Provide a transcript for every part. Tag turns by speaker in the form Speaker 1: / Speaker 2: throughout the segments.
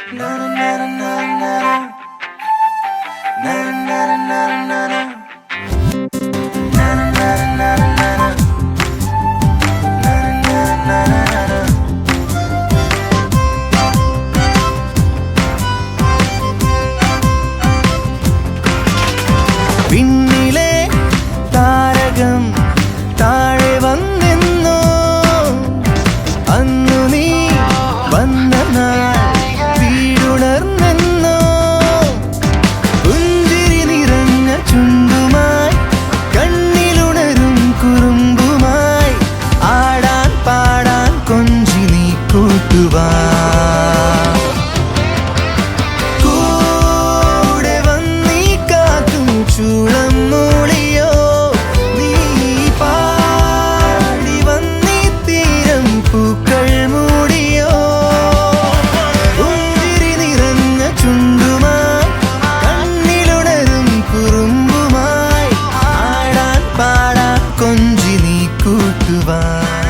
Speaker 1: പിന്നിലെ താരകം താഴെ വന്നെന്നോ അന്നു നീ വന്ന നാൾ വീടുണർന്നെന്നോ പുഞ്ചിരി നിറഞ്ഞ ചുണ്ടുമായി കണ്ണിലുണരും കുറുമ്പുമായി ആടാൻ പാടാൻ കൊഞ്ചി നീ കൂട്ടുവാ ചൂളം മൂളിയോ നീ പാടി വന്നീ തീരം പൂക്കൾ മൂടിയോ പുഞ്ചിരി നിറഞ്ഞ ചുണ്ടുമായി കണ്ണിലുണരും കുറുമ്പുമായി ആടാൻ പാടാൻ കൊഞ്ചി നീ കൂട്ടുവാ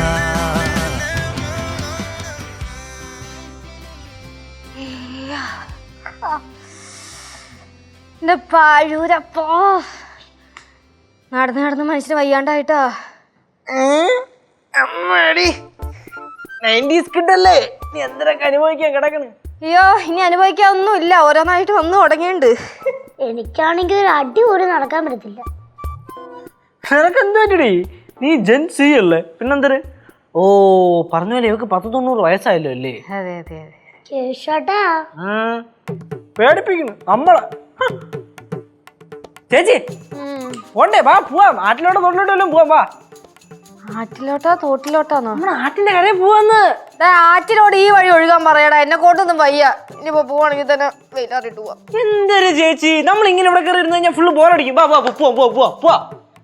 Speaker 2: പാഴൂരപ്പോ നടന്ന് നടന്ന് മനുഷ്യന് വയ്യാണ്ടായിട്ടാ.
Speaker 3: നീ എന്തിനൊക്കെ അനുഭവിക്കാൻ കിടക്കണ്?
Speaker 2: അയ്യോ ഇനി അനുഭവിക്കാൻ ഒന്നും ഇല്ല, ഓരോന്നായിട്ട് വന്നു തുടങ്ങിയുണ്ട്.
Speaker 4: എനിക്കാണെങ്കിൽ ഒരു അടി പോലും നടക്കാൻ പറ്റത്തില്ല.
Speaker 3: നിനക്ക് എന്താ പറ്റടി? നീ ജെൻ സി അല്ലേ, പിന്നെന്തര്? ഓ പറഞ്ഞ പോലെ ഇവക്ക് 190 വയസ്സായല്ലോ അല്ലേ?
Speaker 2: അതെ അതെ അതെ.
Speaker 4: കേശോട്ടാ
Speaker 3: പേടിപ്പിക്കുന്നു നമ്മളെ. ചേച്ചി പോണ്ടേ, വാ പോവാം. ആറ്റിലോട്ടോ തോട്ടിലോട്ടോ വല്ലതും പോവാം, വാ.
Speaker 2: ആറ്റിലോട്ടാ തോട്ടിലോട്ടാന്നോ?
Speaker 3: നമ്മുടെ ആറ്റിന്റെ കരയിൽ പോവാന്ന്.
Speaker 2: ആറ്റിലോട് ഈ വഴി ഒഴുകാൻ പറയടാ, എന്നെ കൊണ്ടൊന്നും വയ്യ. ഇനിയിപ്പോ പോവാണെങ്കിൽ തന്നെ വെയിലാറിട്ട് പോവാം.
Speaker 3: എന്തൊരു ചേച്ചി, നമ്മൾ ഇങ്ങനെ ഇവിടെ കയറി ഇരുന്ന് കഴിഞ്ഞാൽ ഫുള്ള് ബോറടിക്കും. വാ വാ പോവാം പോവാം പോവാം പോവാം.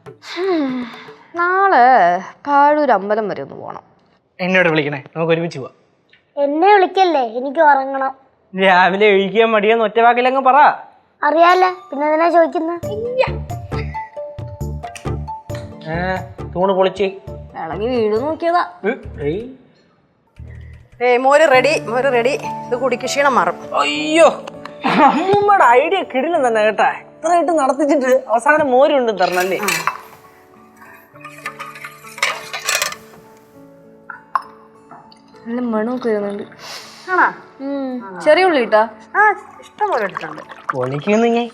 Speaker 2: നാളെ പാഴൂർ അമ്പലം വരെ ഒന്ന് പോണം.
Speaker 3: എന്നോട് വിളിക്കണേ, നമുക്ക് ഒരുമിച്ച് പോവാം.
Speaker 4: എന്നെ വിളിക്കല്ലേ, എനിക്ക് ഉറങ്ങണം.
Speaker 3: രാവിലെ എഴുതിക്കാൻ മടിയാന്ന് ഒറ്റ വാക്കിലങ്ങ് പറ.
Speaker 4: അറിയാലോ, പിന്നെ എന്തിനാ ചോദിക്കുന്നത്?
Speaker 3: തൂണ് പൊളിച്ച്
Speaker 2: ഇളങ്ങി വീട് നോക്കിയതാ.
Speaker 5: മോര് റെഡി, മോര് റെഡി. ഇത് കുടിക്ക്, ക്ഷീണം മാറും.
Speaker 3: അയ്യോ അമ്മൂമ്മയുടെ ഐഡിയ കിടിലം തന്നെ കേട്ടാ. ഇത്രയായിട്ട് നടത്തിച്ചിട്ട് അവസാനം മോരുണ്ട് തരണല്ലേ.
Speaker 2: നല്ല മണമൊക്കെ വരുന്നുണ്ട്.
Speaker 5: ആണോ?
Speaker 2: ചെറിയ ഉള്ളി ഇട്ടാ?
Speaker 5: ആ ഇഷ്ടം പോലെ എടുത്തിട്ടുണ്ട്.
Speaker 3: പൊളിക്കുന്നു ഞാൻ.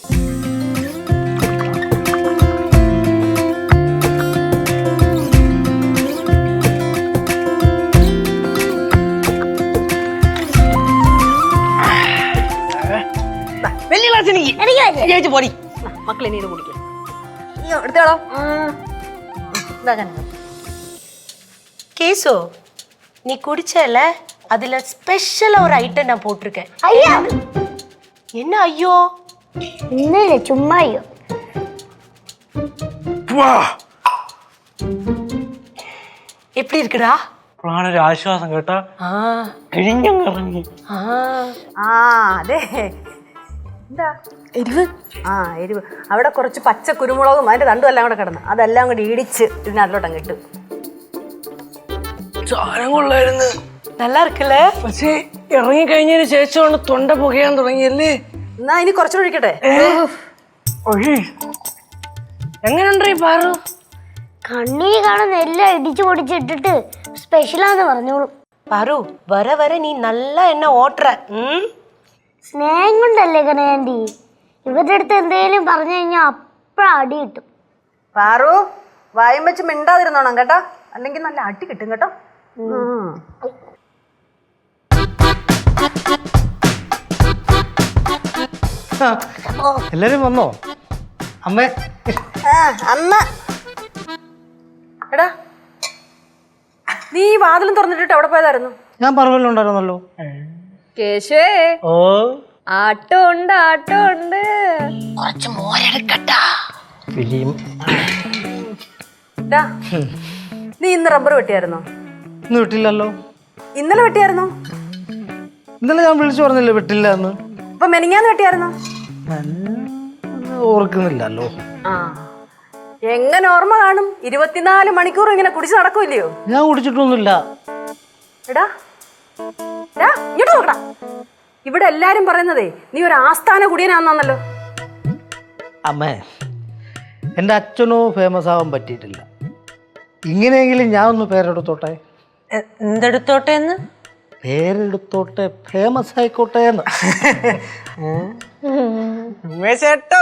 Speaker 3: വലിയ ഗ്ലാസ് എനിക്ക് പൊടി.
Speaker 5: മക്കളെ നീര് കുടിക്കാം.
Speaker 2: എടുത്തോളോ.
Speaker 6: கேசு நீ குடிச்சல அதுல ஸ்பெஷலா ஒரு ஐட்டம் நான் போட்டிருக்கேன்.
Speaker 4: ஐயா
Speaker 6: என்ன ஐயோ?
Speaker 4: ഇന്നലെ ചുമ്മാ അയ്യോ.
Speaker 6: எப்படி இருக்குடா?
Speaker 3: ഒരു ആശ്വാസം കേട്ടാ. കിഴിഞ്ഞിറങ്ങി.
Speaker 5: അതെ. എന്താ എരിവ്? എരിവ്. അവിടെ കുറച്ച് പച്ച കുരുമുളകും അതിന്റെ തണ്ടും എല്ലാം കൂടെ കിടന്നു, അതെല്ലാം കൂടി ഇടിച്ച് ഇതിനകത്തോട്ടങ്ങ് ഇട്ടു.
Speaker 3: സാധനം കൊള്ളായിരുന്നു,
Speaker 6: நல்லா இருக்குல்ல?
Speaker 3: പക്ഷേ ഇറങ്ങി കഴിഞ്ഞതിന് ശേഷമാണ് തൊണ്ട പുകയാൻ തുടങ്ങിയല്ലേ.
Speaker 5: എന്നാ ഇനി കുറച്ചുകൂടെ ഒഴിക്കട്ടെ?
Speaker 3: എങ്ങനെയുണ്ട് ഈ പാറു?
Speaker 4: കണ്ണിന് കാണുന്ന എല്ലാം ഇടിച്ചു പൊടിച്ചിട്ടിട്ട് സ്പെഷ്യലാന്ന് പറഞ്ഞോളൂ.
Speaker 6: பாரு வர வர நீ நல்லா என்ன ஓட்டுற.
Speaker 4: സ്നേഹം കൊണ്ടല്ലേ കനയാൻറ്റി. ഇവരുടെ അടുത്ത് എന്തെങ്കിലും പറഞ്ഞു കഴിഞ്ഞാൽ അപ്പഴ അടി കിട്ടും.
Speaker 5: പാറു വായും വെച്ച് മിണ്ടാതിരുന്നോണം കേട്ടോ, അല്ലെങ്കിൽ നല്ല അടി കിട്ടും കേട്ടോ.
Speaker 3: എല്ലാരും വന്നോ? അമ്മേ
Speaker 5: അമ്മ എടാ, നീ വാതിലും തുറന്നിട്ടിട്ട് എവിടെ പോയതായിരുന്നു?
Speaker 3: ഞാൻ പറവല്ലുണ്ടായിരുന്നല്ലോ.
Speaker 2: കേശുവേ,
Speaker 3: ഓ
Speaker 2: ആട്ടോ ഉണ്ട് ആട്ടോ ഉണ്ട്.
Speaker 6: കുറച്ച് മോരെടുക്കട്ടാ.
Speaker 5: നീ ഇന്ന് റബ്ബർ വെട്ടിയായിരുന്നോ?
Speaker 3: ഇന്ന് വിട്ടില്ലല്ലോ.
Speaker 5: ഇന്നലെ വെട്ടിയായിരുന്നോ?
Speaker 3: ഇന്നലെ ഞാൻ വിളിച്ചു പറഞ്ഞില്ലേ വിട്ടില്ല എന്ന്.
Speaker 5: അപ്പൊ മെനിങ്ങാന്ന് വെട്ടിയായിരുന്നോ?
Speaker 3: ഓർക്കുന്നില്ലല്ലോ.
Speaker 5: എങ്ങനെ ഓർമ്മ കാണും? 24 മണിക്കൂർ ഇങ്ങനെ കുടിച്ച് നടക്കൂല്ലയോ?
Speaker 3: ഞാൻ കുടിച്ചിട്ടൊന്നുമില്ല.
Speaker 5: എടാ ഇങ്ങോട്ട് നോക്കടാ. ഇവിടെ എല്ലാരും പറയുന്നതേ നീ ഒരു ആസ്ഥാന കുടിയനാന്നല്ലോ.
Speaker 3: അമ്മേ, എൻ്റെ അച്ഛനോ ഫേമസ് ആവാൻ പറ്റിയിട്ടില്ല. ഇങ്ങനെയെങ്കിലും ഞാൻ ഒന്ന് പേരെടുത്തോട്ടെ.
Speaker 6: എന്തെടുത്തോട്ടെന്ന്?
Speaker 3: പേരെടുത്തോട്ടെ, ഫേമസ് ആയിക്കോട്ടെ എന്ന്.
Speaker 7: ഉമേശേട്ടോ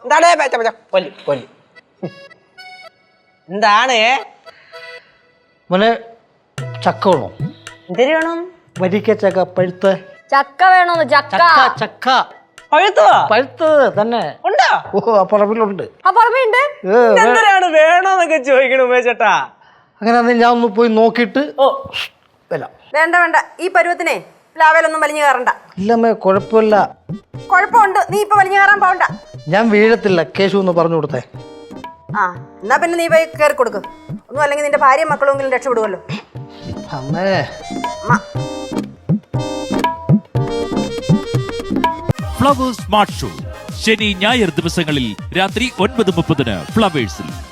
Speaker 7: എന്താണ്
Speaker 3: മോനെ, ചക്ക വേണോ?
Speaker 6: എന്തിനു വേണം?
Speaker 3: വരിക്ക ചക്ക പഴുത്ത.
Speaker 2: ചക്ക വേണോന്ന്? ചക്ക
Speaker 3: ചക്ക ചക്ക
Speaker 7: പഴുത്തുവാ
Speaker 3: പഴുത്തത് തന്നെ.
Speaker 7: ഉണ്ടോ?
Speaker 3: ഓ, ആ പറമ്പിലുണ്ട്.
Speaker 2: ആ പറമ്പുണ്ട്.
Speaker 7: എന്തിനാണ് വേണോന്നൊക്കെ ചോദിക്കണ ഉമേശേട്ടാ?
Speaker 3: അങ്ങനെ ഞാൻ ഒന്ന് പോയി നോക്കിയിട്ട് വരാം.
Speaker 5: വേണ്ട വേണ്ട, ഈ പരുവത്തിനെ പ്ലാവേലൊന്നും വലിഞ്ഞു കയറണ്ട.
Speaker 3: ഇല്ലമ്മേ, കുഴപ്പമില്ല.
Speaker 5: കുഴപ്പമുണ്ട്, നീ ഇപ്പൊ വലിഞ്ഞു കയറാൻ പോകണ്ട.
Speaker 3: ഞാൻ വീഴത്തില്ല, കേശു ഒന്ന് പറഞ്ഞു കൊടുത്തേ.
Speaker 5: ആ എന്നാ പിന്നെ നീ പോയി കയറി കൊടുക്കും. ഒന്നും അല്ലെങ്കിൽ നിന്റെ ഭാര്യയും മക്കളെങ്കിലും രക്ഷപ്പെടുമല്ലോ.
Speaker 3: അമ്മേ,
Speaker 8: ഫ്ലവേഴ്സ് സ്മാർട്ട് ഷോ ശനി ഞായർ ദിവസങ്ങളിൽ രാത്രി 9:30 ഫ്ലവേഴ്സിൽ.